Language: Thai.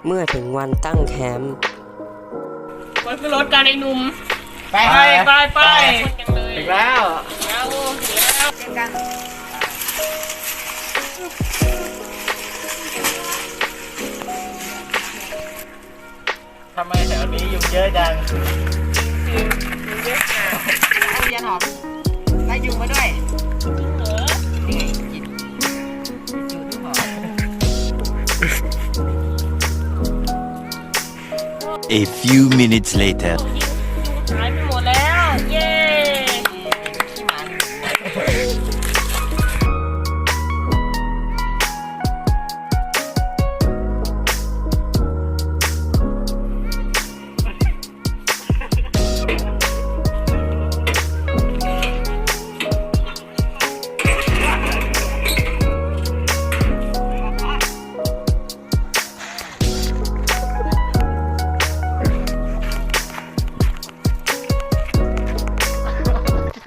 เมื่อถึงวันตั้งแคมป์มันคือรถการไอ้หนุ่มไปถึงแล้วเจอกันทำไมแถวนี้ยุงเยอะจังยุงเยอะค่ะเอายันหอมไล่ยุงมาด้วยนี่ไงกินอยู่ที่หอม A few minutes later